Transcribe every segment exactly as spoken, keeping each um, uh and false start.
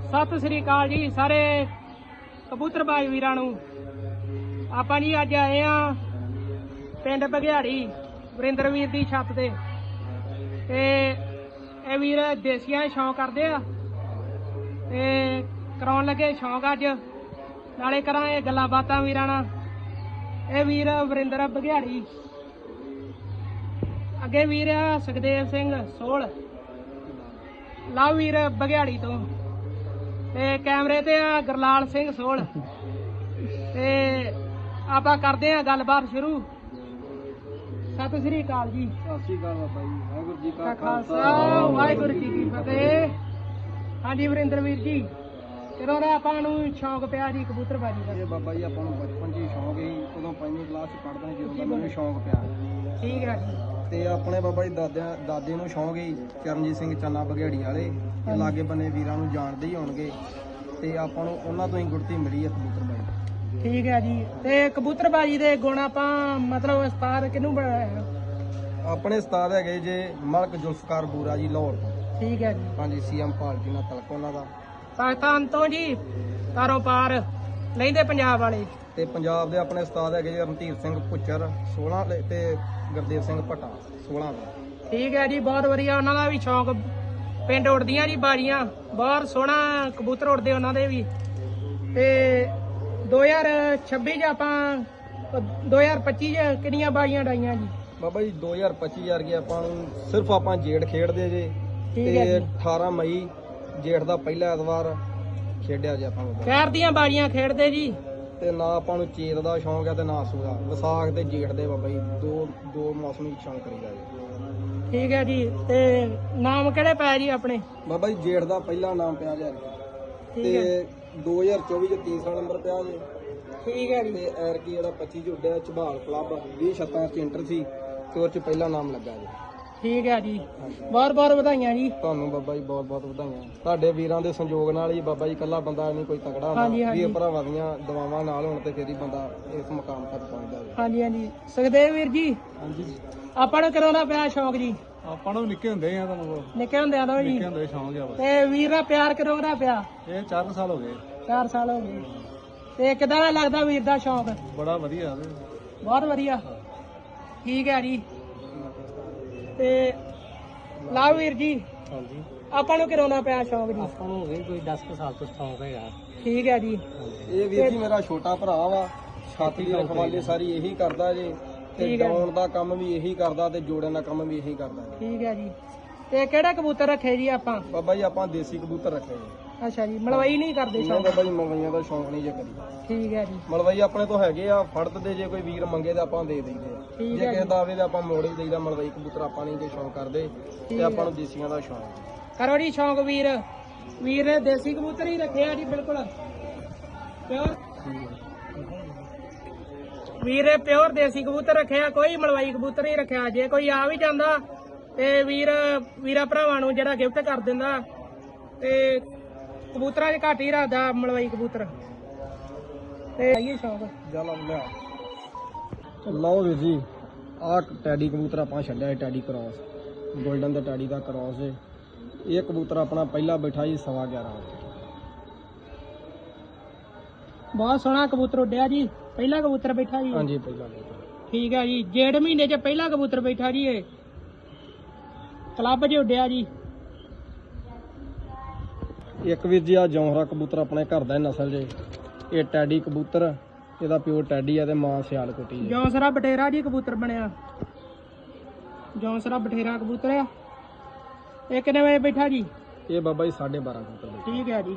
सत श्री अकाल जी सारे कबूतरबाज वीरां नूं। आपां जी अज आए हां पिंड बघियाड़ी वरिंदर वीर दी छत ते ते ਇਹ ਵੀਰ देसियां शौक करदे आ ते कराउण लगे शौक अज नाले करांगे गल्लां बातां वीरां नाल। ਇਹ ਵੀਰ वरिंदर बघियाड़ी अगे वीर आ सुखदेव सिंह सोल लववीर बघियाड़ी तो ते कैमरे ते आ गुरलाल सिंह सोल ते आपां करदे आ गलबात शुरू। सत श्री अकाल जी। सत श्री अकाल बाबा जी। वाहिगुरू जी का खालसा वाहिगुरू जी की फतेह। हाँ जी वरिंदर वीर जी कदों दा आपां नूं शौक पिया जी कबूतरबाजी दा? ਇਹ ਬਾਬਾ ਜੀ ਆਪਾਂ ਨੂੰ ਬਚਪਨ 'ਚ ਹੀ ਸ਼ੌਂਕ ਸੀ, ਉਦੋਂ ਪੰਜਵੀਂ ਕਲਾਸ 'ਚ ਪੜ੍ਹਦਾ ਜਦੋਂ ਦਾ ਮੈਨੂੰ ਸ਼ੌਂਕ ਪਿਆ। ठीक है जी। ਤੇ ਆਪਣੇ ਬਾਬਾ ਜੀ ਦਾਦਿਆਂ ਦਾਦੇ ਨੂੰ ਸ਼ੌਂਕ ਸੀ ਚਰਨਜੀਤ ਸਿੰਘ ਚੰਨਾ ਬਘਿਆੜੀ ਵਾਲੇ, ਤੇ ਲਾਗੇ ਬੰਨੇ ਵੀਰਾਂ ਨੂੰ ਜਾਣਦੇ ਹੀ ਹੋਣਗੇ, ਤੇ ਆਪਾਂ ਨੂੰ ਉਹਨਾਂ ਤੋਂ ਹੀ ਗੁੜਤੀ ਮਿਲੀ ਹੈ ਕਬੂਤਰਬਾਜੀ। ठीक है जी। ते कबूतरबाजी दे गुण आपां मतलब उस्ताद किनू बनाया? ਆਪਣੇ ਉਸਤਾਦ ਹੈਗੇ ਜੇ ਮਲਕ ਜ਼ੁਲਫਕਾਰ ਬੂਰਾ ਜੀ ਲਾਹੌਰ ਤੋਂ। ठीक है जी। ਹਾਂਜੀ ਸੀਐਮ ਪਾਰਟੀ ਨਾਲ ਤਲਕ ਉਹਨਾਂ ਦਾ। पाकिस्तान तो जी कारोबार लैंदे पंजाब वाले। ਤੇ ਪੰਜਾਬ ਦੇ ਆਪਣੇ ਉਸਤਾਦ ਹੈਗੇ ਜੀ ਰਣਧੀਰ ਸਿੰਘ ਭੁੱਚਰ ਸੋਲਾਂ ਦੇ ਤੇ ਗੁਰਦੇਵ ਸਿੰਘ ਭੱਟਾ ਸੋਲਾਂ ਦਾ। ठीक है जी बहुत वधिया। उन्हां दा भी शौक पिंड उड़दियां जी बाजियां बहुत सोहना कबूतर उड़दे उन्हां दे भी। ते दो हज़ार छब्बी च आपां दो हज़ार पच्ची च किन्नियां बाजियां डाइयां जी? ਬਾਬਾ ਜੀ ਦੋ ਹਜ਼ਾਰ ਪੱਚੀ ਯਾਰ ਕੇ ਆਪਾਂ ਨੂੰ ਸਿਰਫ ਆਪਾਂ ਜੇਠ ਖੇਡਦੇ ਜੇ, ਠੀਕ ਹੈ ਤੇ ਜੀ। ਅਠਾਰਾਂ ਮਈ ਜੇਠ ਦਾ ਪਹਿਲਾ ਐਤਵਾਰ ਖੇਡਿਆ ਜੇ ਆਪਾਂ ਨੂੰ। ਖੈਰ ਦੀਆਂ ਬਾਜੀਆਂ ਖੇਡਦੇ ਜੀ। ਤੇ ਨਾ ਆਪਾਂ ਨੂੰ ਚੇਤ ਦਾ ਸ਼ੌਂਕ ਹੈ ਤੇ ਨਾ ਸੂਦਾ। ਵਿਸਾਖ ਤੇ ਜੇਠ ਦੇ ਬਾਬਾ ਜੀ ਦੋ ਦੋ ਮੌਸਮੀ ਸ਼ੌਂਕ ਕਰੀਦਾ ਜੀ। ਠੀਕ ਹੈ ਜੀ। ਤੇ ਨਾਮ ਕਿਹੜੇ ਪਏ ਜੀ ਆਪਣੇ? ਬਾਬਾ ਜੀ ਜੇਠ ਦਾ ਪਹਿਲਾ ਨਾਮ ਪਿਆ ਜੇ, ਠੀਕ ਹੈ ਤੇ ਦੋ ਹਜ਼ਾਰ ਚੌਵੀ ਚ ਤੀਸਰਾ ਨੰਬਰ ਪਿਆ ਜੇ, ਠੀਕ ਹੈ ਜੀ। ਤੇ ਐਰਕੀ ਜਿਹੜਾ ਪੱਚੀ ਚ ਉੱਡਿਆ ਝਬਾਲ ਕਲੱਬ ਵੀਹ ਛੱਤਾਂ ਚ ਇੰਟਰ ਸੀ ਤੇ ਉਹ ਚ ਪਹਿਲਾ ਨਾਮ ਲੱਗਾ ਜੀ। ਠੀਕ ਹੈ ਜੀ ਬਹੁਤ ਬਹੁਤ ਵਧਾਈਆਂ ਜੀ। ਤੁਹਾਨੂੰ ਬਾਬਾ ਜੀ ਬਹੁਤ ਬਹੁਤ ਵਧਾਈਆਂ। ਤੁਹਾਡੇ ਵੀਰਾਂ ਦੇ ਸੰਯੋਗ ਨਾਲ ਹੀ ਬਾਬਾ ਜੀ ਇਕੱਲਾ ਬੰਦਾ ਨਹੀਂ ਕੋਈ ਤਕੜਾ ਹੁੰਦਾ, ਹਾਂਜੀ, ਹਾਂਜੀ। ਵੀਰ ਭਰਾਵਾਂ ਦੀਆਂ ਦੁਆਵਾਂ ਨਾਲ ਹੋਣ ਤੇ ਫਿਰ ਹੀ ਬੰਦਾ ਇਸ ਮੁਕਾਮ ਤੱਕ ਪਹੁੰਚਦਾ ਹੈ। ਹਾਂਜੀ ਹਾਂਜੀ ਸੁਖਦੇਵ ਵੀਰ ਜੀ ਹਾਂਜੀ ਆਪਾਂ ਨੂੰ ਕਦੋਂ ਦਾ ਪਿਆ ਸ਼ੌਕ ਜੀ? ਆਪਾਂ ਨੂੰ ਨਿੱਕੇ ਹੁੰਦੇ ਆ ਤੁਹਾਨੂੰ ਨਿੱਕੇ ਹੁੰਦਿਆਂ ਤੋਂ ਜੀ। ਹੁੰਦੇ ਸ਼ੌਂਕ ਆ। ਤੇ ਵੀਰ ਦਾ ਪਿਆਰ ਕਦੋਂ ਦਾ ਪਿਆ? ਇਹ ਚਾਰ ਸਾਲ ਹੋ ਗਏ। ਚਾਰ ਸਾਲ ਹੋ ਗਏ। ਤੇ ਕਿਦਾਂ ਦਾ ਲੱਗਦਾ ਵੀਰ ਦਾ ਸ਼ੌਕ? ਬੜਾ ਵਧੀਆ ਬਹੁਤ ਵਧੀਆ। ਠੀਕ ਹੈ ਜੀ। ਤੇ ਲਵ ਵੀਰ ਜੀ ਹਾਂਜੀ ਆਪਾਂ ਨੂੰ ਕਦੋਂ ਦਾ ਪਿਆ ਸ਼ੌਕ ਜੀ? ਆਪਾਂ ਨੂੰ ਹੋ ਗਏ ਕੋਈ ਦਸ ਕੁ ਸਾਲ ਤੋਂ ਸ਼ੌਂਕ ਹੈਗਾ। ਠੀਕ ਹੈ ਜੀ। ਇਹ ਵੀਰ ਜੀ ਮੇਰਾ ਛੋਟਾ ਭਰਾ ਵਾ, ਛਾਤੀ ਦੀ ਰਖਵਾਲੀ ਸਾਰੀ ਇਹੀ ਕਰਦਾ ਜੇ, ਤੇ ਠੀਕ ਹੈ। ਡਾਉਣ ਦਾ ਕੰਮ ਵੀ ਇਹੀ ਕਰਦਾ ਤੇ ਜੋੜਨ ਦਾ ਕੰਮ ਵੀ ਇਹੀ ਕਰਦਾ ਜੀ। ਠੀਕ ਹੈ ਜੀ। ਤੇ ਕਿਹੜਾ ਕਬੂਤਰ ਰੱਖੇ ਜੀ ਆਪਾਂ? ਬਾਬਾ ਜੀ ਆਪਾਂ ਦੇਸੀ ਕਬੂਤਰ ਰੱਖੇ ਜੀ। ਅੱਛਾ ਜੀ ਮਲਵਈ ਨਹੀਂ ਕਰਦੇ ਨਹੀਂ ਸ਼ੌਕ? ਬਾਬਾ ਜੀ ਮਲਵਈਆਂ ਦਾ ਸ਼ੌਂਕ ਨਹੀਂ ਜੇ ਕਰੀ। ਠੀਕ ਹੈ ਜੀ। ਮਲਵਈ ਆਪਣੇ ਤੋਂ ਹੈਗੇ ਆ, ਫੜਤ ਦੇ ਜੇ ਕੋਈ ਵੀਰ ਮੰਗੇ ਤਾਂ ਆਪਾਂ ਦੇ ਦਈਦੇ ਆ। ਠੀਕ ਜੇ ਹੈ ਕਿਸੇ ਜੀ। ਦਾ ਆਵੇ ਤਾਂ ਆਪਾਂ ਮੋੜ ਹੀ ਦਈਦਾ। ਮਲਵਈ ਕਬੂਤਰ ਆਪਾਂ ਨਹੀਂ ਜੇ ਸ਼ੌਂਕ ਕਰਦੇ, ਤੇ ਆਪਾਂ ਨੂੰ ਦੇਸੀਆਂ ਦਾ ਸ਼ੌਂਕ। ਕਰੋ ਜੀ ਸ਼ੌਕ ਵੀਰ। ਵੀਰ ਨੇ ਦੇਸੀ ਕਬੂਤਰ ਹੀ ਰੱਖੇ ਆ ਜੀ ਬਿਲਕੁਲ ਪਿਓਰ। ਵੀਰ ਨੇ ਪਿਓਰ ਦੇਸੀ ਕਬੂਤਰ ਰੱਖਿਆ, ਕੋਈ ਮਲਵਾਈ ਕਬੂਤਰ ਨਹੀਂ ਰੱਖਿਆ। ਜੇ ਕੋਈ ਆ ਵੀ ਜਾਂਦਾ ਤੇ ਵੀਰ ਵੀਰਾ ਭਰਾਵਾਂ ਨੂੰ ਜਿਹੜਾ ਗਿਫਟ ਕਰ ਦਿੰਦਾ। ਤੇ ਕਬੂਤਰਾਂ 'ਚ ਘੱਟ ਹੀ ਰੱਖਦਾ ਮਲਵਾਈ ਕਬੂਤਰ। ਤੇ ਆਈਏ ਸ਼ੌਕ ਚੱਲ ਲਿਆ। ਲਓ ਵੀਰ ਜੀ ਆਹ ਟੈਡੀ ਕਬੂਤਰ ਆਪਾਂ ਛੱਡਿਆ, ਟੈਡੀ ਕ੍ਰਾਸ ਗੋਲਡਨ ਦਾ ਟੈਡੀ ਦਾ ਕ੍ਰਾਸ ਹੈ। ਇਹ ਕਬੂਤਰ ਆਪਣਾ ਪਹਿਲਾ ਬੈਠਾ ਜੀ ਸਵਾ ਗਿਆਰਾਂ ਵਜੇ। ਬਹੁਤ ਸੋਹਣਾ ਕਬੂਤਰ ਉੱਡਿਆ ਜੀ। ਪਹਿਲਾ ਕਬੂਤਰ ਬੈਠਾ ਜੀ? ਹਾਂਜੀ ਪਹਿਲਾ ਕਬੂਤਰ। ਠੀਕ ਹੈ ਜੀ। ਜੇਠ ਮਹੀਨੇ 'ਚ ਪਹਿਲਾ ਕਬੂਤਰ ਬੈਠਾ ਜੀ। ਇਹ ਕਲੱਬ 'ਚ ਉੱਡਿਆ ਜੀ। ਇੱਕ ਵੀਰ ਜੀ ਆ ਜੌਹਰਾ ਕਬੂਤਰ ਆਪਣੇ ਘਰ ਦਾ ਨਸਲ ਜੇ। ਇਹ ਟੈਡੀ ਕਬੂਤਰ, ਇਹਦਾ ਪਿਓ ਟੈਡੀ ਆ ਤੇ ਮਾਂ ਸਿਆਲਕੋਟੀ ਜੀ। ਜੌਂਸਰਾ ਬਟੇਰਾ ਜੀ ਕਬੂਤਰ ਬਣਿਆ। ਜੌਂਸਰਾ ਬਟੇਰਾ ਕਬੂਤਰ ਆ। ਇਹ ਕਿੰਨੇ ਵਜੇ ਬੈਠਾ ਜੀ? ਇਹ ਬਾਬਾ ਜੀ ਸਾਢੇ ਬਾਰਾਂ ਕਬੂਤਰ ਬੈਠਾ। ਠੀਕ ਹੈ ਜੀ।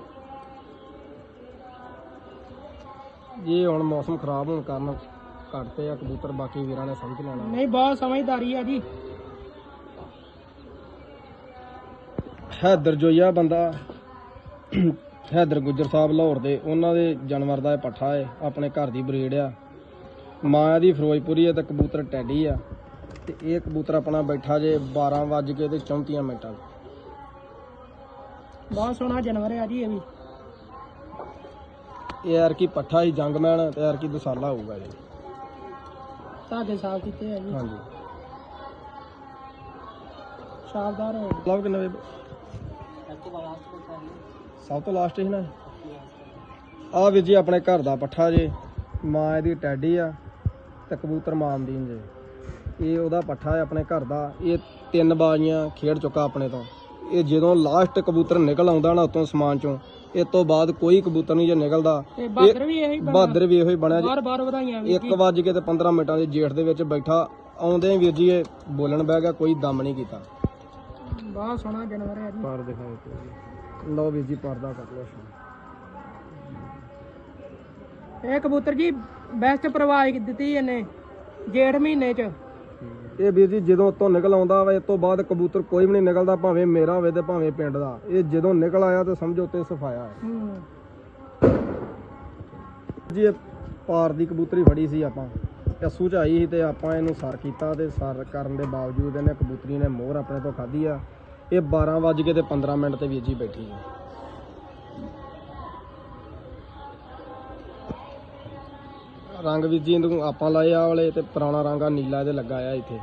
ਇਹ ਹੁਣ ਮੌਸਮ ਖਰਾਬ ਹੋਣ ਕਾਰਨ ਘਟਤੇ ਆ ਕਬੂਤਰ, ਬਾਕੀ ਵੀਰਾਂ ਨੇ ਸਮਝ ਲੈਣਾ। ਨਹੀਂ ਬਹੁਤ ਸਮਝਦਾਰੀ ਹੈ ਜੀ। ਹੈਦਰ ਜੋਈਆ ਬੰਦਾ, ਹੈਦਰ ਗੁੱਜਰ ਸਾਹਿਬ ਲਾਹੌਰ ਦੇ, ਉਹਨਾਂ ਦੇ ਜਾਨਵਰ ਦਾ ਇਹ ਪੱਠਾ ਹੈ, ਆਪਣੇ ਘਰ ਦੀ ਬਰੀਡ ਆ। ਮਾਂ ਦੀ ਫਿਰੋਜ਼ਪੁਰੀ ਹੈ ਤੇ ਕਬੂਤਰ ਟੈਡੀ ਆ। ਤੇ ਇਹ ਕਬੂਤਰ ਆਪਣਾ ਬੈਠਾ ਜੇ ਬਾਰਾਂ ਵੱਜ ਕੇ ਤੇ ਚੌਂਤੀਆਂ ਮਿੰਟਾਂ। ਬਹੁਤ ਸੋਹਣਾ ਜਾਨਵਰ ਹੈ ਜੀ ਇਹ ਵੀ। ਇਹ ਯਾਰ ਕੀ ਪੱਠਾ ਹੀ ਜੰਗਮੈਨ ਤੇ ਯਾਰ ਕੀ ਦਸਾਲਾ ਹੋਊਗਾ ਜੀ। ਧਾਗੇ ਸਾਫ ਕੀਤੇ ਹੈ ਜੀ। ਹਾਂਜੀ ਸ਼ਾਨਦਾਰ ਹੈ। ਲਵ ਕਿੰਨੇ ਸਭ ਤੋਂ ਲਾਸਟ ਸੀ ਨਾ ਆ ਵੀਰ ਜੀ ਆਪਣੇ ਘਰ ਦਾ ਪੱਠਾ ਜੇ, ਮਾਂ ਇਹਦੀ ਟੈਡੀ ਆ ਤੇ ਕਬੂਤਰ ਮਾਮਦੀਨ ਜੇ। ਇਹ ਉਹਦਾ ਪੱਠਾ ਹੈ ਆਪਣੇ ਘਰ ਦਾ। ਇਹ ਤਿੰਨ ਬਾਜ਼ੀਆਂ ਖੇਡ ਚੁੱਕਾ ਆਪਣੇ ਤੋਂ। ਇਹ ਜਦੋਂ ਲਾਸਟ ਕਬੂਤਰ ਨਿਕਲ ਆਉਂਦਾ ਨਾ ਉਤੋਂ ਸਮਾਨ ਚੋਂ, ਇਹ ਤੋਂ ਬਾਅਦ ਕੋਈ ਕਬੂਤਰ ਨਹੀਂ ਜੇ ਨਿਕਲਦਾ। ਬਹਾਦਰ ਵੀ ਇਹੀ ਬਹਾਦਰ ਵੀ ਇਹੋ ਹੀ ਬਣਿਆ ਬਾਰ ਬਾਰ ਵਧਾਈਆਂ ਜੀ। ਇੱਕ ਵੱਜ ਕੇ ਤੇ ਪੰਦਰਾਂ ਮਿੰਟਾਂ ਦੇ ਜੇਠ ਦੇ ਵਿੱਚ ਬੈਠਾ, ਆਉਂਦੇ ਵੀਰ ਜੀ ਇਹ ਬੋਲਣ ਬਹਿ ਗਿਆ, ਕੋਈ ਦਮ ਨਹੀਂ ਕੀਤਾ। ਬਹੁਤ ਸੋਹਣਾ ਜਾਨਵਰ ਹੈ ਜੀ। ਪਰ ਦਿਖਾਓ ਲਓ ਵੀਰ ਜੀ, ਪਰਦਾ ਕੱਟ ਲਓ। ਇਹ ਕਬੂਤਰ ਜੀ ਬੈਸਟ ਪ੍ਰਵਾਜ ਦਿੱਤੀ ਇਹਨੇ ਜੇਠ ਮਹੀਨੇ ਚ। ਇਹ ਵੀਰ ਜੀ ਜਦੋਂ ਉਤੋਂ ਨਿਕਲ ਆਉਂਦਾ ਵਾ, ਇਸ ਤੋਂ ਬਾਅਦ ਕਬੂਤਰ ਕੋਈ ਵੀ ਨਹੀਂ ਨਿਕਲਦਾ, ਭਾਵੇਂ ਮੇਰਾ ਹੋਵੇ ਤੇ ਭਾਵੇਂ ਪਿੰਡ ਦਾ। ਇਹ ਜਦੋਂ ਨਿਕਲ ਆਇਆ ਤੇ ਸਮਝੋ ਤੇ ਸਫਾਇਆ ਹੈ ਜੀ। ਇਹ ਪਾਰ ਦੀ ਕਬੂਤਰੀ ਫੜੀ ਸੀ ਆਪਾਂ, ਕੱਸੂ ਚ ਆਈ ਸੀ ਤੇ ਆਪਾਂ ਇਹਨੂੰ ਸਰ ਕੀਤਾ ਤੇ ਸਰ ਕਰਨ ਦੇ ਬਾਵਜੂਦ ਇਹਨੇ ਕਬੂਤਰੀ ਨੇ ਮੋਹਰ ਆਪਣੇ ਤੋਂ ਖਾਧੀ ਆ। ਇਹ ਬਾਰਾਂ ਵੱਜ ਕੇ ਤੇ ਪੰਦਰਾਂ ਮਿੰਟ ਤੇ ਵੀਰ ਜੀ ਬੈਠੀ ਹੈ। ਰੰਗ ਵੀਰ ਜੀ ਇਹਨੂੰ ਆਪਾਂ ਲਾਏ ਆ ਵਾਲੇ, ਤੇ ਪੁਰਾਣਾ ਰੰਗ ਆ ਨੀਲਾ ਇਹਦੇ ਲੱਗਾ ਆ ਇੱਥੇ।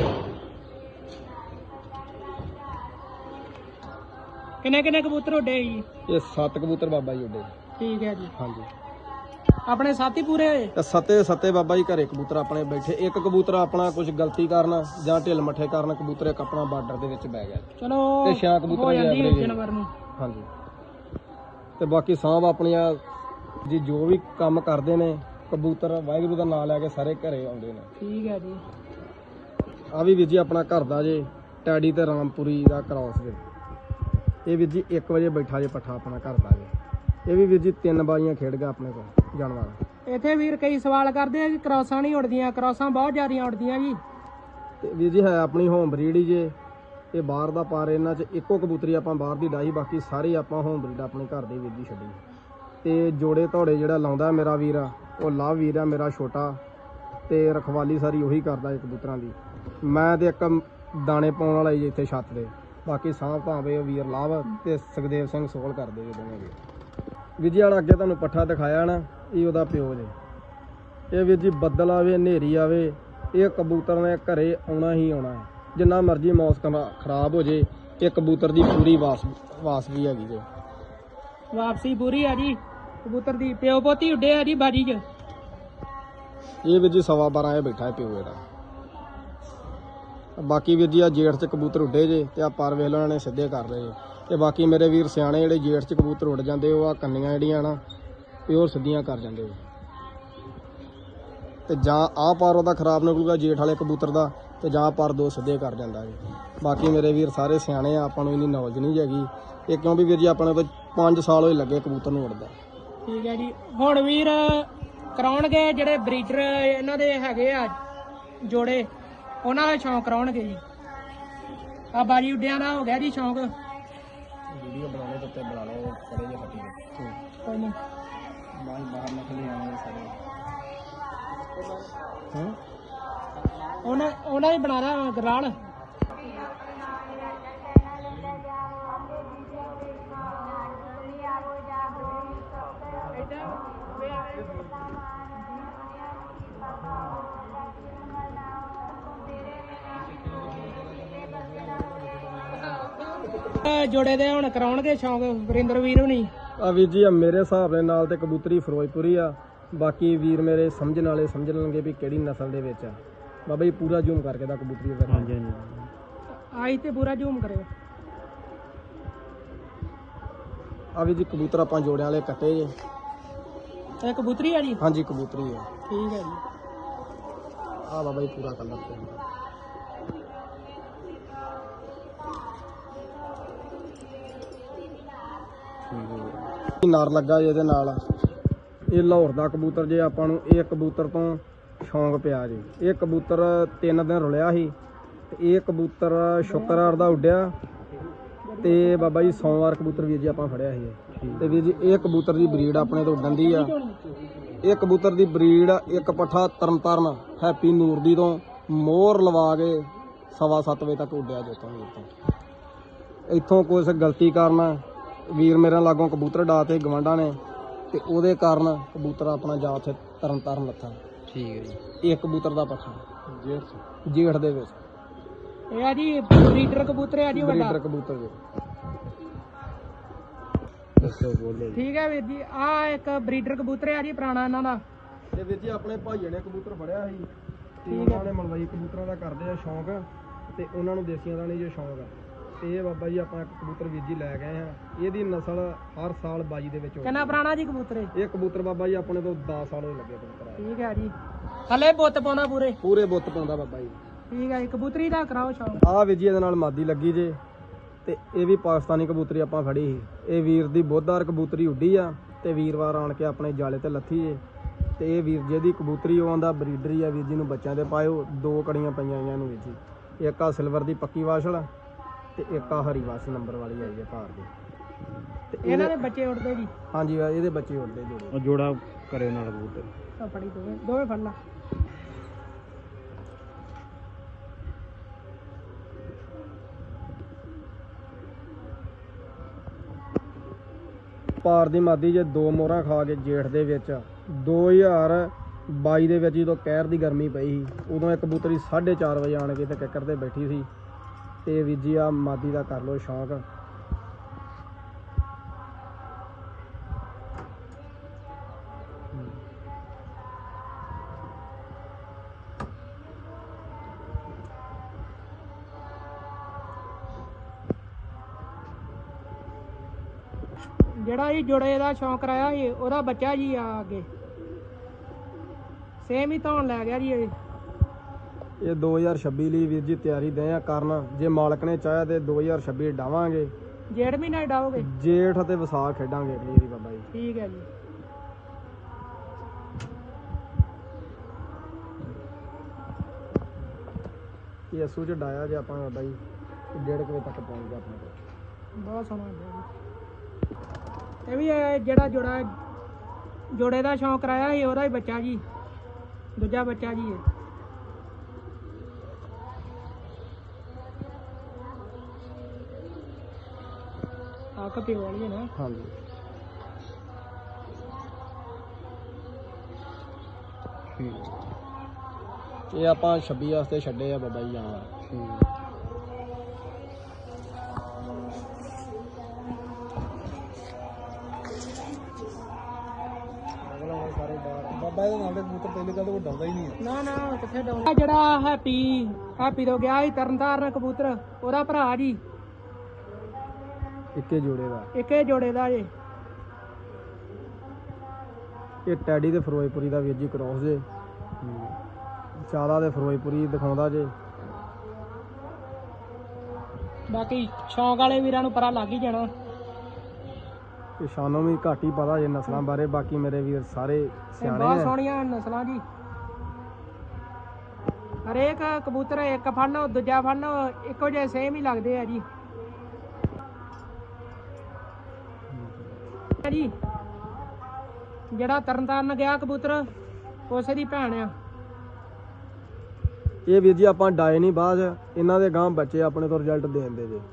ਕਿੰਨੇ ਕਿੰਨੇ ਕਬੂਤਰ ਉੱਡੇ ਜੀ? ਇਹ ਸੱਤ ਕਬੂਤਰ ਬਾਬਾ ਜੀ ਉੱਡੇ। ਠੀਕ ਹੈ ਜੀ। ਹਾਂਜੀ, ਆਪਣੇ ਸਾਥੀ ਪੂਰੇ ਹੋਏ? ਤੇ ਸੱਤੇ ਸੱਤੇ ਬਾਬਾ ਜੀ ਘਰੇ ਕਬੂਤਰ ਆਪਣੇ ਬੈਠੇ। ਇੱਕ ਕਬੂਤਰ ਆਪਣਾ ਕੁਝ ਗਲਤੀ ਕਾਰਨ ਜਾਂ ਢਿੱਲ ਮੱਠੇ ਕਾਰਨ ਕਬੂਤਰ ਇੱਕ ਆਪਣਾ ਬਾਰਡਰ ਦੇ ਵਿੱਚ ਬਹਿ ਗਿਆ। ਚਲੋ ਤੇ ਛੇ ਕਬੂਤਰ ਹੋ ਜਾਂਦੀ ਐਵਰੇਜ ਜਾਨਵਰ ਨੂੰ। ਹਾਂਜੀ, ਤੇ ਬਾਕੀ ਸਾਂਭ ਆਪਣੀਆਂ ਜੀ ਜੋ ਵੀ ਕੰਮ ਕਰਦੇ ਨੇ ਕਬੂਤਰ ਵਾਹਿਗੁਰੂ ਦਾ ਨਾਮ ਲੈ ਕੇ ਸਾਰੇ ਘਰੇ ਆਉਂਦੇ ਨੇ। ਠੀਕ ਹੈ ਜੀ। ਆ ਵੀ ਵੀਰ ਜੀ ਆਪਣਾ ਘਰ ਦਾ ਜੇ, ਟੈਡੀ ਤੇ ਰਾਮਪੁਰੀ ਦਾ ਕ੍ਰਾਸ ਜੇ। ਇਹ ਵੀਰ ਜੀ ਇੱਕ ਵਜੇ ਬੈਠਾ ਜੇ ਪੱਠਾ ਆਪਣਾ ਘਰ ਦਾ ਜੇ। ਇਹ ਵੀ ਵੀਰ ਜੀ ਤਿੰਨ ਬਾਜ਼ੀਆਂ ਖੇਡ ਗਿਆ ਆਪਣੇ ਕੋਲ ਜਾਨਵਰ। ਇੱਥੇ ਵੀਰ ਕਈ ਸਵਾਲ ਕਰਦੇ ਆ ਕਿ ਕ੍ਰਾਸਾਂ ਨਹੀਂ ਉੱਡਦੀਆਂ। ਕ੍ਰਾਸਾਂ ਬਹੁਤ ਜ਼ਿਆਦੀਆਂ ਉੱਡਦੀਆਂ ਜੀ। ਤੇ ਵੀਰ ਜੀ ਹੈ ਆਪਣੀ ਹੋਮ ਬਰੀਡ ਹੀ ਜੇ। ਇਹ ਬਾਹਰ ਦਾ ਪਾਰ ਇਹਨਾਂ 'ਚ ਇੱਕੋ ਕਬੂਤਰੀ ਆਪਾਂ ਬਾਹਰ ਦੀ ਡਾਹੀ, ਬਾਕੀ ਸਾਰੇ ਆਪਾਂ ਹੋਮ ਬਰੀਡ ਆਪਣੇ ਘਰ ਦੇ ਵੀਰ ਜੀ ਛੱਡੀ। ਤੇ ਜੋੜੇ ਧੌੜੇ ਜਿਹੜਾ ਲਾਉਂਦਾ ਮੇਰਾ ਵੀਰ ਆ, ਉਹ ਲਵ ਵੀਰ ਆ ਮੇਰਾ ਛੋਟਾ, ਤੇ ਰਖਵਾਲੀ ਸਾਰੀ ਉਹੀ ਕਰਦਾ ਇਹ ਕਬੂਤਰਾਂ ਦੀ। ਮੈਂ ਤੇ ਇੱਕ ਦਾਣੇ ਪਾਉਣ ਵਾਲਾ ਜੀ ਇੱਥੇ ਛੱਤ ਦੇ, ਬਾਕੀ ਸਾਂਭ ਭਾਵੇਂ ਵੀਰ ਲਾਭ ਤੇ ਸੁਖਦੇਵ ਸਿੰਘ ਸੋਲ ਕਰਦੇ ਜੀ ਦੋਵੇਂ ਵੀਰ। ਵੀਰ ਜੀ ਵਾਲਾ ਅੱਗੇ ਤੁਹਾਨੂੰ ਪੱਠਾ ਦਿਖਾਇਆ ਨਾ, ਇਹ ਉਹਦਾ ਪਿਓ ਜੇ। ਇਹ ਵੀਰ ਜੀ ਬੱਦਲ ਆਵੇ ਹਨੇਰੀ ਆਵੇ, ਇਹ ਕਬੂਤਰ ਨੇ ਘਰੇ ਆਉਣਾ ਹੀ ਆਉਣਾ ਹੈ। ਜਿੰਨਾ ਮਰਜ਼ੀ ਮੌਸਮ ਖਰਾਬ ਹੋ ਜੇ, ਇਹ ਕਬੂਤਰ ਦੀ ਪੂਰੀ ਵਾਸ ਵਾਸ ਵੀ ਹੈਗੀ ਜੇ। ਵਾਪਸੀ ਪੂਰੀ ਆ ਜੀ ਕਬੂਤਰ ਦੀ। ਪਿਓ ਪੋਤੀ ਉੱਡੇ ਆ ਜੀ ਬਾਜੀ 'ਚ। ਇਹ ਵੀਰ ਜੀ ਸਵਾ ਬਾਰਾਂ ਇਹ ਬੈਠਾ ਹੈ ਪਿਓ ਇਹਦਾ। ਬਾਕੀ ਵੀਰ ਜੀ ਆ ਜੇਠ 'ਚ ਕਬੂਤਰ ਉੱਡੇ ਜੇ, ਤੇ ਆ ਪਰ ਵੇਖ ਲਓ ਇਹਨਾਂ ਨੇ ਸਿੱਧੇ ਕਰ ਲਏ ਜੇ। ਤੇ ਬਾਕੀ ਮੇਰੇ ਵੀਰ ਸਿਆਣੇ ਜਿਹੜੇ ਜੇਠ 'ਚ ਕਬੂਤਰ ਉੱਡ ਜਾਂਦੇ, ਉਹ ਆ ਕੰਨੀਆਂ ਜਿਹੜੀਆਂ ਨਾ ਪਿਓਰ ਸਿੱਧੀਆਂ ਕਰ ਜਾਂਦੇ। ਤੇ ਜਾਂ ਆਹ ਪਰ ਉਹਦਾ ਖਰਾਬ ਨਿਕਲੂਗਾ ਜੇਠ ਵਾਲੇ ਕਬੂਤਰ ਦਾ, ਤੇ ਜਾਂ ਪਰ ਦੋ ਸਿੱਧੇ ਕਰ ਜਾਂਦਾ ਜੀ। ਬਾਕੀ ਮੇਰੇ ਵੀਰ ਸਾਰੇ ਸਿਆਣੇ ਆ, ਆਪਾਂ ਨੂੰ ਇੰਨੀ ਨੌਲੇਜ ਨਹੀਂ ਹੈਗੀ ਇਹ, ਕਿਉਂ ਵੀ ਵੀਰ ਜੀ ਆਪਣੇ ਤੋਂ ਪੰਜ ਸਾਲ ਹੋਏ ਲੱਗੇ ਕਬੂਤਰ ਨੂੰ ਉੱਡਦਾ। ਠੀਕ ਹੈ ਜੀ। ਹੁਣ ਵੀਰ ਕਰਾਉਣਗੇ ਜਿਹੜੇ ਬਰੀਡਰ ਇਹਨਾਂ ਦੇ ਹੈਗੇ ਆ ਜੋੜੇ, ਉਹਨਾਂ ਦਾ ਸ਼ੌਂਕ ਕਰਾਉਣਗੇ ਜੀ। ਆ ਬਾਜੀ ਉੱਡਿਆਂ ਦਾ ਹੋ ਗਿਆ ਜੀ ਸ਼ੌਂਕ। ਵੀਡੀਓ ਬਣਾਉਣੇ ਤੇ ਉੱਤੇ ਬਣਾ ਲਓ ਕੜੇ ਜੇ ਫੱਟੀ ਦੇ। ਕੋਈ ਨਹੀਂ ਬਾਹਰ ਬਾਹਰ ਨਿਕਲੇ ਆਉਣੇ ਸਾਰੇ। ਹਾਂ ਉਹਨਾਂ ਉਹਨਾਂ ਹੀ ਬਣਾਣਾ ਗਰਾਲ। ਜੋੜੇ ਦੇ ਹੁਣ ਕਰਾਉਣਗੇ ਸ਼ੌਂਕ ਵਰਿੰਦਰ ਵੀਰ ਹੁਣੀ। ਆ ਵੀਰ ਜੀ ਮੇਰੇ ਹਿਸਾਬ ਦੇ ਨਾਲ ਤੇ ਕਬੂਤਰੀ ਫਿਰੋਜ਼ਪੁਰੀ ਆ, ਬਾਕੀ ਵੀਰ ਮੇਰੇ ਸਮਝਣ ਵਾਲੇ ਸਮਝ ਲੈਣਗੇ ਵੀ ਕਿਹੜੀ ਨਸਲ ਦੇ ਵਿੱਚ ਆ। ਬਾਬਾ ਜੀ ਪੂਰਾ ਜ਼ੂਮ ਕਰਕੇ ਦਾ ਕਬੂਤਰੀ ਦਾ। ਹਾਂਜੀ ਹਾਂਜੀ ਆਈ ਤੇ ਪੂਰਾ ਜ਼ੂਮ ਕਰਿਓ। ਆ ਵੀ ਜੀ ਕਬੂਤਰ ਆਪਾਂ ਜੋੜਿਆਂ ਵਾਲੇ ਕੱਟੇ ਜੇ। ਇਹ ਕਬੂਤਰੀ ਆ ਜੀ? ਹਾਂਜੀ ਕਬੂਤਰੀ ਆ। ਠੀਕ ਹੈ ਜੀ। ਆ ਬਾਬਾ ਜੀ ਪੂਰਾ ਕਲਰ ਤੇ ਨਰ ਲੱਗਾ ਜੀ ਇਹਦੇ ਨਾਲ। ਇਹ ਲਾਹੌਰ ਦਾ ਕਬੂਤਰ ਜੇ ਆਪਾਂ ਨੂੰ ਇਹ ਕਬੂਤਰ ਤੋਂ ਸ਼ੌਂਕ ਪਿਆ ਜੀ। ਇਹ ਕਬੂਤਰ ਤਿੰਨ ਦਿਨ ਰੁਲਿਆ ਸੀ, ਤੇ ਇਹ ਕਬੂਤਰ ਸ਼ੁੱਕਰਵਾਰ ਦਾ ਉੱਡਿਆ, ਤੇ ਬਾਬਾ ਜੀ ਸੋਮਵਾਰ ਕਬੂਤਰ ਵੀਰ ਜੀ ਆਪਾਂ ਫੜਿਆ ਸੀ। ਤੇ ਵੀਰ ਜੀ ਇਹ ਕਬੂਤਰ ਦੀ ਬਰੀਡ ਆਪਣੇ ਤੋਂ ਉੱਡਣ ਦੀ ਆ। ਇਹ ਕਬੂਤਰ ਦੀ ਬਰੀਡ ਇੱਕ ਪੱਠਾ ਤਰਨਤਾਰਨ ਹੈਪੀ ਨੂਰ ਦੀ ਤੋਂ ਮੋਹਰ ਲਵਾ ਕੇ ਸਵਾ ਸੱਤ ਵਜੇ ਤੱਕ ਉੱਡਿਆ ਜਿੱਥੋਂ ਵੀਰ ਤੋਂ। ਇੱਥੋਂ ਕੁਛ ਗਲਤੀ ਕਾਰਨ ਵੀਰ ਮੇਰੇ ਲਾਗੋਂ ਕਬੂਤਰ ਡਾ ਤੇ ਗਵਾਂਢਾਂ ਨੇ, ਤੇ ਉਹਦੇ ਕਾਰਨ ਕਬੂਤਰ ਆਪਣਾ ਜਾ ਉੱਥੇ ਤਰਨ ਤਾਰਨ ਲੱਥਾ। ਠੀਕ ਹੈ ਜੀ। ਇਹ ਕਬੂਤਰ ਦਾ ਪੱਠਾ ਜੇਠ ਜੇਠ ਦੇ ਵਿੱਚ। ਇਹ ਆ ਜੀ ਬਰੀਡਰ ਕਬੂਤਰ ਆ ਜੀ ਵੱਡਾ। ਬਰੀਡਰ ਕਬੂਤਰ ਜੀ। ਦੱਸੋ ਬੋਲੋ ਠੀਕ ਹੈ ਵੀਰ ਜੀ। ਆ ਇੱਕ ਬਰੀਡਰ ਕਬੂਤਰ ਆ ਜੀ ਪੁਰਾਣਾ ਇਹਨਾਂ ਦਾ। ਤੇ ਵੀਰ ਜੀ ਆਪਣੇ ਭਾਈਏ ਨੇ ਕਬੂਤਰ ਫੜਿਆ ਸੀ ਤੇ ਠੀਕ ਹੈ। ਉਹਨਾਂ ਨੇ ਮਲਵਈ ਕਬੂਤਰਾਂ ਦਾ ਕਰਦੇ ਆ ਸ਼ੌਂਕ ਤੇ ਉਹਨਾਂ ਨੂੰ ਦੇਸੀਆਂ ਦਾ ਨਹੀਂ ਜੋ ਸ਼ੌਂਕ ਆ ਤੇ ਇਹ ਬਾਬਾ ਜੀ ਆਪਾਂ ਇੱਕ ਕਬੂਤਰ ਵੀਰ ਜੀ ਲੈ ਗਏ ਆ। ਇਹਦੀ ਨਸਲ ਹਰ ਸਾਲ ਬਾਜੀ ਦੇ ਵਿੱਚ ਕਿੰਨਾ ਪੁਰਾਣਾ ਜੀ ਕਬੂਤਰ ਇਹ? ਇਹ ਕਬੂਤਰ ਬਾਬਾ ਜੀ ਆਪਣੇ ਤੋਂ ਦਸ ਸਾਲ ਹੋਏ ਲੱਗੇ ਕਬੂਤਰ ਆ। ਠੀਕ ਹੈ ਜੀ। ਥੱਲੇ ਬੁੱਤ ਪਾਉਂਦਾ ਪੂਰੇ? ਪੂਰੇ ਬੁੱਤ ਪਾਉਂਦਾ ਬਾਬਾ ਜੀ। ਠੀਕ ਹੈ ਜੀ। ਕਬੂਤਰੀ ਦਾ ਕਰਾਓ ਸ਼ੌਂਕ। ਆਹ ਵੀਰ ਜੀ ਇਹਦੇ ਨਾਲ ਮਾਦੀ ਲੱਗੀ ਜੇ ਤੇ ਇਹ ਵੀ ਪਾਕਿਸਤਾਨੀ ਕਬੂਤਰੀ ਆਪਾਂ ਫੜੀ ਸੀ। ਇਹ ਵੀਰ ਦੀ ਬੁੱਧਵਾਰ ਕਬੂਤਰੀ ਉੱਡੀ ਆ ਤੇ ਵੀਰਵਾਰ ਆਣ ਕੇ ਆਪਣੇ ਜਾਲੇ ਤੇ ਲੱਥੀ ਜੇ ਤੇ ਇਹ ਵੀਰ ਜੀ ਦੀ ਕਬੂਤਰੀ ਉਹ ਆਂਦਾ ਬਰੀਡਰੀ ਆ ਵੀਰ ਜੀ ਨੂੰ ਬੱਚਿਆਂ ਦੇ ਪਾਇਓ। ਦੋ ਕੜੀਆਂ ਪਈਆਂ ਇਹਨਾਂ ਨੂੰ ਵੀਰ ਜੀ। ਇੱਕ ਆ ਸਿਲਵਰ ਦੀ ਪੱਕੀ ਵਾਸ਼ਲ ਤੇ ਇੱਕ ਆ ਹਰੀ ਵਾਸ਼ ਨੰਬਰ ਵਾਲੀ ਆਈ ਹੈ ਭਾਰ ਦੀ ਤੇ ਇਹਨਾਂ ਦੇ ਬੱਚੇ ਉੱਡਦੇ ਜੀ? ਹਾਂਜੀ ਇਹਦੇ ਬੱਚੇ ਉੱਡਦੇ ਜੋੜੇ। ਉਹ ਜੋੜਾ ਕਰਿਓ ਨਾਲ ਕਬੂਤਰ ਆ ਫੜੀ ਦੋਵੇਂ ਦੋਵੇਂ ਫੜ ਲਾ। ਭਾਰ ਦੀ ਮਾਦੀ ਜੇ ਦੋ ਮੋਹਰਾਂ ਖਾ ਕੇ ਜੇਠ ਦੇ ਵਿੱਚ ਦੋ ਹਜ਼ਾਰ ਬਾਈ ਦੇ ਵਿੱਚ ਜਦੋਂ ਕਹਿਰ ਦੀ ਗਰਮੀ ਪਈ ਸੀ ਉਦੋਂ ਇਹ ਕਬੂਤਰੀ ਸਾਢੇ ਚਾਰ ਵਜੇ ਆਣ ਕੇ ਤੇ ਕਿੱਕਰ ਤੇ ਬੈਠੀ ਸੀ ਤੇ ਵੀਰ ਜੀ ਆ ਮਾਦੀ ਦਾ ਕਰ ਲਓ ਸ਼ੌਂਕ। ਜਿਹੜਾ ਜੀ ਜੋੜੇ ਦਾ ਸ਼ੌਂਕ ਕਰਾਇਆ ਸੀ ਉਹਦਾ ਬੱਚਾ ਜੀ ਆ ਅੱਗੇ ਸੇਮ ਹੀ ਧੌਣ ਲੈ ਗਿਆ ਜੀ ਇਹ। ਇਹ ਦੋ ਹਜ਼ਾਰ ਛੱਬੀ ਲਈ ਵੀਰ ਜੀ ਤਿਆਰੀ ਦੇ ਆ ਕਰਨ। ਜੇ ਮਾਲਕ ਨੇ ਚਾਹਿਆ ਤੇ ਦੋ ਹਜ਼ਾਰ ਛੱਬੀ ਡਾਵਾਂਗੇ। ਜੇਠ ਮਹੀਨਾ ਹੀ ਡਾਓਗੇ? ਜੇਠ ਅਤੇ ਵਿਸਾਖ ਖੇਡਾਂਗੇ ਅਗਲੀ ਵਾਰੀ ਬਾਬਾ ਜੀ। ਠੀਕ ਹੈ ਜੀ। ਇਹ ਅਸੂ ਚ ਡਾਇਆ ਜੇ ਆਪਾਂ ਬਾਬਾ ਜੀ ਡੇਢ ਕੁ ਵਜੇ ਤੱਕ ਪਹੁੰਚ ਗਿਆ ਆਪਣੇ ਕੋਲ। ਬਹੁਤ ਸੋਹਣਾ ਹੁੰਦਾ ਜੀ। ਇਹ ਵੀ ਇਹ ਜਿਹੜਾ ਜੋੜਾ ਜੋੜੇ ਦਾ ਸ਼ੌਂਕ ਕਰਾਇਆ ਸੀ ਉਹਦਾ ਹੀ ਬੱਚਾ ਜੀ, ਦੂਜਾ ਬੱਚਾ ਜੀ ਇਹ। ਅੱਖ ਪਿਓ ਵਾਲੀ ਹੈ ਨਾ? ਹਾਂਜੀ। ਇਹ ਆਪਾਂ ਛੱਬੀ ਵਾਸਤੇ ਛੱਡੇ ਆ ਬਾਬਾ ਜੀ ਜਾਨਵਰ। ਬਾਬਾ ਇਹਦੇ ਨਾਲ ਦੇ ਕਬੂਤਰ ਪਹਿਲੇ ਗੱਲ ਉਹ ਡਾਉਂਦਾ ਹੀ ਨਹੀਂ ਹੈ। ਨਾ ਨਾ ਕਿੱਥੇ ਡਾਉਂਦਾ। ਜਿਹੜਾ ਹੈਪੀ ਹੈਪੀ ਤੋਂ ਗਿਆ ਸੀ ਤਰਨਤਾਰਨ ਕਬੂਤਰ ਉਹਦਾ ਭਰਾ ਜੀ। ਇੱਕੇ ਜੋੜੇ ਦਾ? ਇੱਕੇ ਜੋੜੇ ਦਾ ਜੀ। ਇਹ ਟੈਡੀ ਤੇ ਫਿਰੋਜ਼ਪੁਰੀ ਦਾ ਵੀਰ ਜੀ ਕ੍ਰੋਸ ਜੇ। ਜ਼ਿਆਦਾ ਤੇ ਫਿਰੋਜ਼ਪੁਰੀ ਦਿਖਾਉਂਦਾ ਜੇ। ਬਾਕੀ ਸ਼ੌਂਕ ਵਾਲੇ ਵੀਰਾਂ ਨੂੰ ਪਤਾ ਲੱਗ ਹੀ ਜਾਣਾ। ਤੇ ਸਾਨੂੰ ਵੀ ਘੱਟ ਹੀ ਪਤਾ ਜੇ ਨਸਲਾਂ ਬਾਰੇ। ਬਾਕੀ ਮੇਰੇ ਵੀਰ ਸਾਰੇ ਸਿਆਣੇ ਬਹੁਤ ਆ। ਸੋਹਣੀਆਂ ਨਸਲਾਂ ਜੀ। ਹਰੇਕ ਕਬੂਤਰ ਇੱਕ ਫੜ ਲਓ ਦੂਜਾ ਫੜ ਲਓ ਇੱਕੋ ਜਿਹੇ ਸੇਮ ਹੀ ਲੱਗਦੇ ਆ ਜੀ। ਜੀ ਜਿਹੜਾ ਤਰਨਤਾਰਨ ਗਿਆ ਕਬੂਤਰ ਉਸੇ ਦੀ ਭੈਣ ਆ। ਇਹ ਵੀਰ ਜੀ ਆਪਾਂ ਡਾਏ ਨਹੀਂ ਬਾਅਦ ਇਹਨਾਂ ਦੇ ਗਾਂ ਬੱਚੇ ਆਪਣੇ ਤੋਂ ਰਿਜ਼ਲਟ ਦੇ ਦਿੰਦੇ ਜੇ।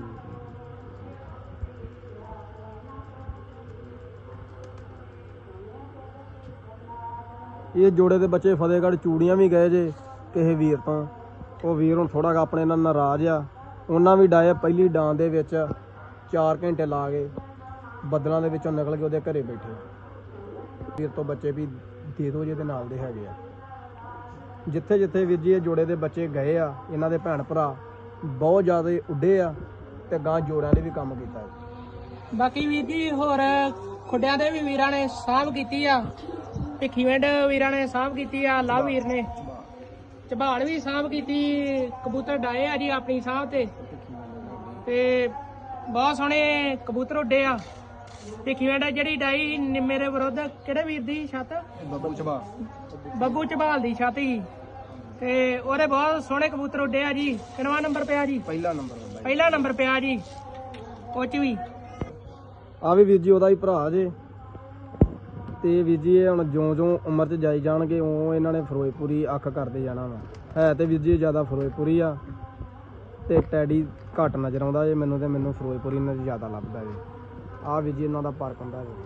ਇਹ ਜੋੜੇ ਦੇ ਬੱਚੇ ਫਤਿਹਗੜ੍ਹ ਚੂੜੀਆਂ ਵੀ ਗਏ ਜੇ ਕਿਸੇ ਵੀਰ ਤੋਂ। ਉਹ ਵੀਰ ਹੁਣ ਥੋੜਾ ਜਿਹਾ ਆਪਣੇ ਨਾਲ ਨਾਰਾਜ਼ ਆ। ਉਹਨਾਂ ਵੀ ਡਾਏ ਪਹਿਲੀ ਡਾਂ ਦੇ ਵਿੱਚ ਚਾਰ ਘੰਟੇ ਲਾ ਕੇ ਬੱਦਲਾਂ ਦੇ ਵਿੱਚੋਂ ਨਿਕਲ ਕੇ ਉਹਦੇ ਘਰੇ ਬੈਠੇ। ਵੀਰ ਤੋਂ ਬੱਚੇ ਵੀ ਦੇ ਦੋ ਜਿਹਦੇ ਨਾਲ ਦੇ ਹੈਗੇ ਆ। ਜਿੱਥੇ ਜਿੱਥੇ ਵੀਰ ਜੀ ਇਹ ਜੋੜੇ ਦੇ ਬੱਚੇ ਗਏ ਆ ਇਹਨਾਂ ਦੇ ਭੈਣ ਭਰਾ ਬਹੁਤ ਜ਼ਿਆਦਾ ਉੱਡੇ ਆ ਤੇ ਗਾਂ ਜੋੜਿਆਂ ਨੇ ਵੀ ਕੰਮ ਕੀਤਾ। ਬਾਕੀ ਵੀਰ ਜੀ ਹੋਰ ਖੁੱਡਿਆਂ ਦੇ ਵੀ ਵੀਰਾਂ ਨੇ ਸਾਂਭ ਕੀਤੀ ਆ। ਭਿੱਖੀਵਿੰਡ ਵੀਰਾਂ ਨੇ ਸਾਂਭ ਕੀਤੀ ਆ। ਲਵ ਵੀਰ ਨੇ ਝਬਾਲ ਵੀ ਸਾਂਭ ਕੀਤੀ। ਕਬੂਤਰ ਡਾਏ ਆ ਜੀ ਆਪਣੀ ਸਾਂਭ ਤੇ ਤੇ ਬਹੁਤ ਸੋਹਣੇ ਕਬੂਤਰ ਉੱਡੇ ਆ। ਭਿੱਖੀਵਿੰਡ ਜਿਹੜੀ ਡਾਈ ਮੇਰੇ ਵਿਰੁੱਧ ਕਿਹੜੇ ਵੀਰ ਦੀ ਛੱਤ? ਬੱਬੂ ਝਬਾਲ। ਬੱਬੂ ਝਬਾਲ ਦੀ ਛੱਤ ਸੀ ਤੇ ਉਹਦੇ ਬਹੁਤ ਸੋਹਣੇ ਕਬੂਤਰ ਉੱਡੇ ਆ ਜੀ। ਕਿੰਨਵਾਂ ਨੰਬਰ ਪਿਆ ਜੀ? ਪਹਿਲਾ ਨੰਬਰ। ਪਹਿਲਾ ਨੰਬਰ ਪਿਆ ਜੀ ਉਹ ਚ ਵੀ। ਆ ਵੀ ਵੀਰ ਜੀ ਉਹਦਾ ਹੀ ਭਰਾ ਜੇ ਤੇ ਵੀਰ ਜੀ ਇਹ ਹੁਣ ਜਿਉਂ ਜਿਉਂ ਉਮਰ 'ਚ ਜਾਈ ਜਾਣਗੇ ਉਹ ਇਹਨਾਂ ਨੇ ਫਿਰੋਜ਼ਪੁਰੀ ਅੱਖ ਕਰਦੇ ਜਾਣਾ ਵਾ। ਹੈ ਤੇ ਵੀਰ ਜੀ ਜ਼ਿਆਦਾ ਫਿਰੋਜ਼ਪੁਰੀ ਆ ਤੇ ਟੈਡੀ ਘੱਟ ਨਜ਼ਰ ਆਉਂਦਾ ਜੇ ਮੈਨੂੰ ਤੇ ਮੈਨੂੰ ਫਿਰੋਜ਼ਪੁਰੀ ਇਹਨਾਂ 'ਚ ਜ਼ਿਆਦਾ ਲੱਭਦਾ ਜੇ। ਆ ਵੀਰ ਜੀ ਇਹਨਾਂ ਦਾ ਫਰਕ ਹੁੰਦਾ ਜੇ।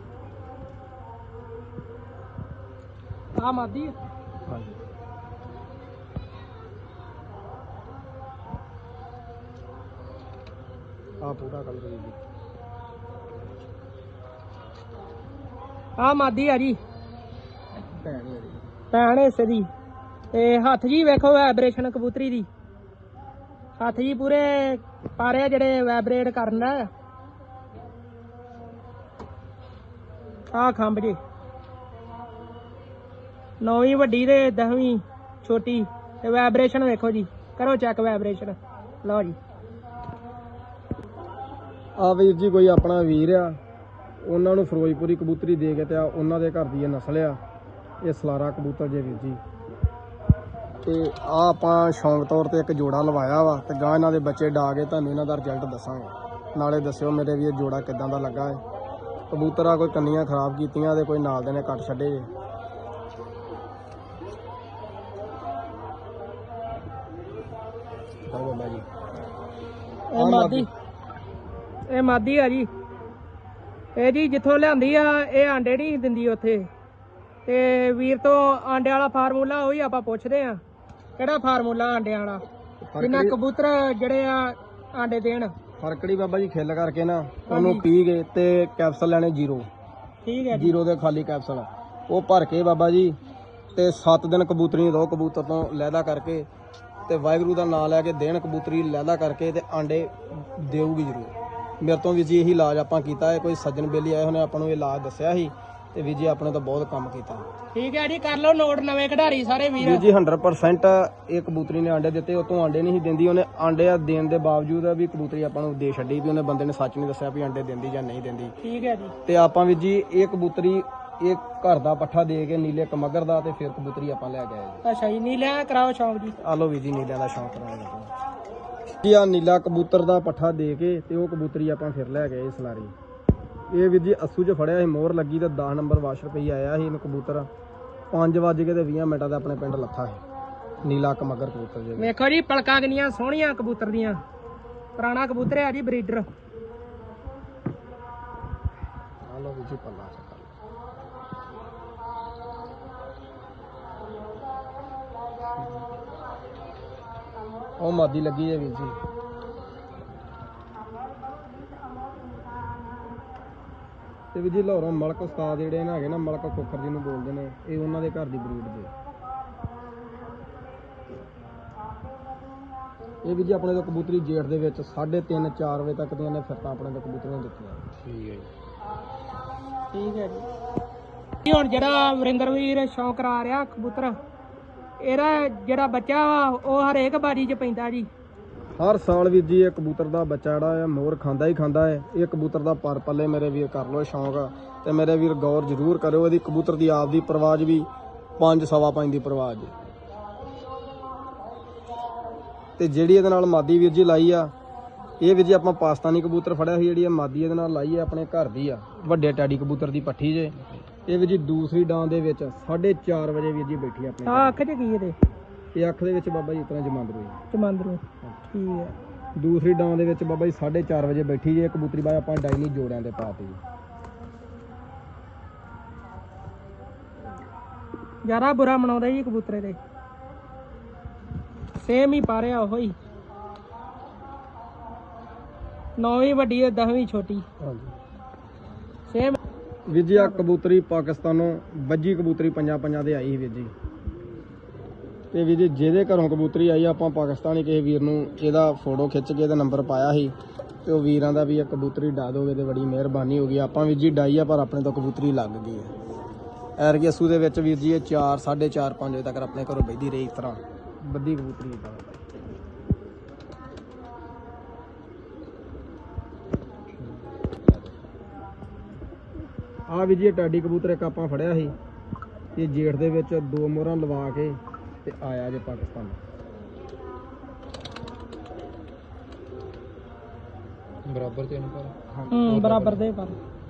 ਆ ਮਾਦੀ ਆ? ਹਾਂਜੀ। ਆ ਪੂਰਾ ਕਲਰ ਵੀਰ ਜੀ। ਆ ਮਾਦੀ ਆ ਜੀ, ਭੈਣ ਇਹਦੀ। ਭੈਣ ਹਿੱਸੇ ਦੀ। ਤੇ ਹੱਥ ਜੀ ਵੇਖੋ ਵਾਈਬ੍ਰੇਸ਼ਨ ਕਬੂਤਰੀ ਦੀ, ਹੱਥ ਜੀ ਪੂਰੇ ਪਾਰੇ ਜਿਹੜੇ ਵਾਈਬ੍ਰੇਟ ਕਰਨ ਆ। ਆ ਖੰਭ ਜੀ, ਨੌਵੀਂ ਵੱਡੀ ਤੇ ਦਸਵੀਂ ਛੋਟੀ, ਤੇ ਵਾਈਬ੍ਰੇਸ਼ਨ ਵੇਖੋ ਜੀ, ਕਰੋ ਚੈੱਕ ਵਾਈਬ੍ਰੇਸ਼ਨ। ਲਓ ਜੀ ਆ ਵੀਰ ਜੀ ਕੋਈ ਆਪਣਾ ਵੀਰ ਆ, ਉਹਨਾਂ ਨੂੰ ਫਿਰੋਜ਼ਪੁਰੀ ਕਬੂਤਰੀ ਦੇ ਕੇ ਤੇ ਆ ਉਹਨਾਂ ਦੇ ਘਰ ਦੀ ਇਹ ਨਸਲ ਆ, ਇਹ ਸਲਾਰਾ ਕਬੂਤਰ ਜੇ ਵੀਰ ਜੀ। ਤੇ ਆ ਆਪਾਂ ਸ਼ੌਂਕ ਤੌਰ ਤੇ ਇੱਕ ਜੋੜਾ ਲਵਾਇਆ ਵਾ, ਤੇ ਗਾਂ ਇਹਨਾਂ ਦੇ ਬੱਚੇ ਡਾ ਕੇ ਤੁਹਾਨੂੰ ਇਹਨਾਂ ਦਾ ਰਿਜ਼ਲਟ ਦੱਸਾਂਗੇ। ਨਾਲੇ ਦੱਸਿਓ ਮੇਰੇ ਵੀ ਇਹ ਜੋੜਾ ਕਿਦਾਂ ਦਾ ਲੱਗਾ ਹੈ। ਕਬੂਤਰ ਆ ਕੋਈ ਕੰਨੀਆਂ ਖਰਾਬ ਕੀਤੀਆਂ ਤੇ ਕੋਈ ਨਾਲ ਦੇ ਨੇ ਕੱਟ ਛੱਡੇ ਜੇ। ਬਾਬਾ ਜੀ ਇਹ ਮਾਦੀ, ਇਹ ਮਾਦੀ ਆ ਜੀ। ਇਹ ਜੀ ਜਿੱਥੋਂ ਲਿਆਂਦੀ ਆ, ਇਹ ਆਂਡੇ ਨਹੀਂ ਦਿੰਦੀ ਉੱਥੇ, ਤੇ ਵੀਰ ਤੋਂ ਆਂਡੇ ਵਾਲਾ ਫਾਰਮੂਲਾ ਉਹੀ ਆਪਾਂ ਪੁੱਛਦੇ ਆ, ਕਿਹੜਾ ਫਾਰਮੂਲਾ ਆਂਡਿਆਂ ਵਾਲਾ, ਜਿੰਨਾ ਕਬੂਤਰ ਜਿਹੜੇ ਆ ਆਂਡੇ ਦੇਣ। ਫਰਕੜੀ ਬਾਬਾ ਜੀ ਖਿੱਲ ਕਰਕੇ ਨਾ ਉਹਨੂੰ ਪੀ ਗਏ ਤੇ ਕੈਪਸੂਲ ਲੈਣੇ ਜ਼ੀਰੋ, ਠੀਕ ਹੈ ਜ਼ੀਰੋ ਦੇ ਖਾਲੀ ਕੈਪਸੂਲ, ਉਹ ਭਰ ਕੇ ਬਾਬਾ ਜੀ ਤੇ ਸੱਤ ਦਿਨ ਕਬੂਤਰੀ ਦੋ ਕਬੂਤਰ ਤੋਂ ਲਹਿਦਾ ਕਰਕੇ ਤੇ ਵਾਹਿਗੁਰੂ ਦਾ ਨਾਮ ਲੈ ਕੇ ਦੇਣ ਕਬੂਤਰੀ ਲਹਿਦਾ ਕਰਕੇ ਤੇ ਆਂਡੇ ਦੇਊਗੀ ਜ਼ਰੂਰ। ਮੇਰੇ ਤੋਂ ਵੀ ਜੀ ਇਹੀ ਇਲਾਜ ਆਪਾਂ ਕੀਤਾ ਹੈ। ਕੋਈ ਸੱਜਣ ਬੇਲੀ ਆਏ ਉਹਨੇ ਆਪਾਂ ਨੂੰ ਇਹ ਇਲਾਜ ਦੱਸਿਆ ਸੀ ਤੇ ਵੀ ਜੀ ਆਪਣੇ ਤੋਂ ਬਹੁਤ ਕੰਮ ਕੀਤਾ। ਠੀਕ ਹੈ ਜੀ, ਕਰ ਲਓ ਨੋਟ ਨਵੇਂ ਖਿਡਾਰੀ ਸਾਰੇ ਵੀਰ ਜੀ ਜੀ ਹੰਡਰਡ ਪਰਸੈਂਟ ਇਹ ਕਬੂਤਰੀ ਨੇ ਆਂਡੇ ਦਿੱਤੇ, ਉਹ ਤੋਂ ਆਂਡੇ ਨਹੀਂ ਸੀ ਦਿੰਦੀ, ਉਹਨੇ ਆਂਡੇ ਦੇਣ ਦੇ ਬਾਵਜੂਦ ਵੀ ਕਬੂਤਰੀ ਆਪਾਂ ਨੂੰ ਦੇ ਛੱਡੀ, ਵੀ ਉਹਨੇ ਬੰਦੇ ਨੇ ਸੱਚ ਨਹੀਂ ਦੱਸਿਆ ਵੀ ਆਂਡੇ ਦਿੰਦੀ ਜਾਂ ਨਹੀਂ ਦਿੰਦੀ। ਠੀਕ ਹੈ ਜੀ। ਤੇ ਆਪਾਂ ਵੀ ਜੀ ਇਹ ਕਬੂਤਰੀ ਇਹ ਘਰ ਦਾ ਪੱਠਾ ਦੇ ਕੇ ਨੀਲੇ ਕਮਗਰ ਦਾ ਤੇ ਫਿਰ ਕਬੂਤਰੀ ਆਪਾਂ ਲੈ ਕੇ ਆਏ ਜੀ। ਅੱਛਾ ਜੀ, ਨੀਲਿਆਂ ਕਰਾਓ ਸ਼ੌਂਕ ਜੀ। ਆ ਲਓ ਵੀ ਜੀ ਨੀਲਿਆਂ ਦਾ ਸ਼ੌਂਕ ਕਰਾਂਗੇ ਜੀ। ਆ ਨੀਲਾ ਕਬੂਤਰ ਦਾ ਪੱਠਾ ਦੇ ਕੇ ਤੇ ਉਹ ਕਬੂਤਰੀ ਆਪਾਂ ਫਿਰ ਲੈ ਗਏ ਸਲਾਰੀ। ਇਹ ਵੀਰ ਜੀ ਅੱਸੂ 'ਚ ਫੜਿਆ ਸੀ, ਮੋਹਰ ਲੱਗੀ ਤੇ ਦਸ ਨੰਬਰ ਵਾਸ਼ ਰੁਪਏ ਆਇਆ ਸੀ ਇਹਨੂੰ ਕਬੂਤਰ। ਪੰਜ ਵੱਜ ਕੇ ਤੇ ਵੀਹ ਮਿੰਟਾਂ ਦਾ ਆਪਣੇ ਪਿੰਡ ਲੱਥਾ ਸੀ ਨੀਲਾ ਕਮਗਰ ਕਬੂਤਰ ਜੀ। ਵੇਖੋ ਜੀ ਪਲਕਾਂ ਕਿੰਨੀਆਂ ਸੋਹਣੀਆਂ ਕਬੂਤਰ ਦੀਆਂ, ਪੁਰਾਣਾ ਕਬੂਤਰ ਹੈ ਜੀ, ਬਰੀਡਰ। ਆ ਲਓ ਵੀ ਜੀ ਪੱਲਾ ਚੱਕ ਉਹ ਮਾਦੀ ਲੱਗੀ ਹੈ ਵੀਰ ਜੀ। ਤੇ ਵੀ ਜੀ ਲਾਹੌਰੋਂ ਮਲਕ ਉਸਤਾਦ ਜਿਹੜੇ ਨੇ ਹੈਗੇ ਨਾ, ਮਲਕ ਖੋਖਰ ਜੀ ਨੂੰ ਬੋਲਦੇ ਨੇ, ਇਹ ਉਹਨਾਂ ਦੇ ਘਰ ਦੀ ਬਰੀਡ ਜੇ। ਇਹ ਵੀ ਜੀ ਆਪਣੇ ਤੋਂ ਕਬੂਤਰੀ ਜੇਠ ਦੇ ਵਿੱਚ ਸਾਢੇ ਤਿੰਨ ਚਾਰ ਵਜੇ ਤੱਕ ਦੀਆਂ ਨੇ ਫਿਰਤਾਂ ਆਪਣੇ ਤੋਂ ਕਬੂਤਰੀਆਂ ਦਿੱਤੀਆਂ। ਠੀਕ ਹੈ ਜੀ। ਠੀਕ ਹੈ ਜੀ। ਹੁਣ ਜਿਹੜਾ ਵਰਿੰਦਰ ਵੀਰ ਸ਼ੌਂਕ ਕਰਾ ਰਿਹਾ ਕਬੂਤਰ, ਇਹਦਾ ਜਿਹੜਾ ਬੱਚਾ ਵਾ ਉਹ ਹਰੇਕ ਬਾਜੀ 'ਚ ਪੈਂਦਾ ਜੀ। ਹਰ ਸਾਲ ਵੀਰ ਜੀ ਇਹ ਕਬੂਤਰ ਦਾ ਬੱਚਾ ਜਿਹੜਾ ਹੈ ਮੋਰ ਖਾਂਦਾ ਹੀ ਖਾਂਦਾ ਹੈ। ਇਹ ਕਬੂਤਰ ਦਾ ਪਰ ਪੱਲੇ ਮੇਰੇ ਵੀਰ ਕਰ ਲਓ ਸ਼ੌਂਕ, ਤੇ ਮੇਰੇ ਵੀਰ ਗੌਰ ਜ਼ਰੂਰ ਕਰਿਓ। ਇਹਦੀ ਕਬੂਤਰ ਦੀ ਆਪ ਦੀ ਪਰਵਾਜ ਵੀ ਪੰਜ ਸਵਾ ਪੰਜ ਦੀ ਪਰਵਾਜ, ਤੇ ਜਿਹੜੀ ਇਹਦੇ ਨਾਲ ਮਾਦੀ ਵੀਰ ਜੀ ਲਾਈ ਆ, ਇਹ ਵੀਰ ਜੀ ਆਪਾਂ ਪਾਕਿਸਤਾਨੀ ਕਬੂਤਰ ਫੜਿਆ ਸੀ, ਜਿਹੜੀ ਇਹ ਮਾਦੀ ਇਹਦੇ ਨਾਲ ਲਾਈ ਹੈ ਆਪਣੇ ਘਰ ਦੀ ਆ, ਵੱਡੇ ਟੈਡੀ ਕਬੂਤਰ ਦੀ ਪੱਠੀ ਜੇ। ਇਹ ਵੀਰ ਜੀ ਦੂਸਰੀ ਡਾਂ ਦੇ ਵਿੱਚ ਸਾਢੇ ਚਾਰ ਵਜੇ ਵੀਰ ਜੀ ਬੈਠੀ ਆਪਣੇ। ਆ ਅੱਖ 'ਚ ਕੀ ਇਹਦੇ? ਇਹ ਅੱਖ ਦੇ ਵਿੱਚ ਬਾਬਾ ਜੀ ਇਤਨਾ ਜਮਾਂਦਰੂ ਜਮਾਂਦਰੂ। ਠੀਕ ਹੈ। ਦੂਸਰੀ ਡਾਂ ਦੇ ਵਿੱਚ ਬਾਬਾ ਜੀ ਸਾਢੇ ਚਾਰ ਵਜੇ ਬੈਠੀ ਜੇ ਕਬੂਤਰੀ। ਬਾਅਦ ਆਪਾਂ ਡਾਈਨੀ ਜੋੜਿਆਂ ਦੇ ਪਾਤੀ ਜੀ। ਜ਼ਿਆਦਾ ਬੁਰਾ ਮਨਾਉਂਦਾ ਜੀ ਕਬੂਤਰੇ ਦੇ, ਸੇਮ ਹੀ ਪਾ ਰਿਹਾ ਉਹ ਹੀ, ਨੌਵੀਂ ਵੱਡੀ ਦਸਵੀਂ ਛੋਟੀ। ਹਾਂਜੀ ਸੇਮ ਵੀਰ ਜੀ। ਆ ਕਬੂਤਰੀ ਪਾਕਿਸਤਾਨੋਂ ਵੱਜੀ ਕਬੂਤਰੀ ਪੰਜਾਂ ਪੰਜਾਂ ਦੇ ਆਈ ਸੀ ਵੀਰ ਜੀ। ਤੇ ਵੀਰ ਜੀ ਜਿਹਦੇ ਘਰੋਂ ਕਬੂਤਰੀ ਆਈ ਆਪਾਂ ਪਾਕਿਸਤਾਨੀ ਕਿਸੇ ਵੀਰ ਨੂੰ ਇਹਦਾ ਫੋਟੋ ਖਿੱਚ ਕੇ ਇਹਦਾ ਨੰਬਰ ਪਾਇਆ ਸੀ, ਤੇ ਉਹ ਵੀਰਾਂ ਦਾ ਵੀ ਇਹ ਕਬੂਤਰੀ ਡਾ ਦੋਗੇ ਤੇ ਬੜੀ ਮਿਹਰਬਾਨੀ ਹੋਗੀ। ਆਪਾਂ ਵੀਰ ਜੀ ਡਾਈ ਆ ਪਰ ਆਪਣੇ ਤੋਂ ਕਬੂਤਰੀ ਲੱਗ ਗਈ ਹੈ। ਐਰਗੀ ਅੱਸੂ ਦੇ ਵਿੱਚ ਵੀਰ ਜੀ ਇਹ ਚਾਰ ਸਾਢੇ ਚਾਰ ਪੰਜ ਵਜੇ ਤੱਕ ਆਪਣੇ ਘਰੋਂ ਬੈਠੀ ਰਹੀ। ਇਸ ਤਰ੍ਹਾਂ ਵੱਡੀ ਕਬੂਤਰੀ ਇਦਾਂ। ਆ ਵੀ ਜੀ ਟਾਡੀ ਕਬੂਤਰ ਇੱਕ ਆਪਾਂ ਫੜਿਆ ਸੀ, ਇਹ ਜੇਠ ਦੇ ਵਿੱਚ ਦੋ ਮੋਹਰਾਂ ਲਵਾ ਕੇ ਤੇ ਆਇਆ ਜੇ ਪਾਕਿਸਤਾਨ। ਬਰਾਬਰ ਤੇ ਇਹਨੂੰ ਪਰ ਹੂੰ ਬਰਾਬਰ ਦੇ ਪਰ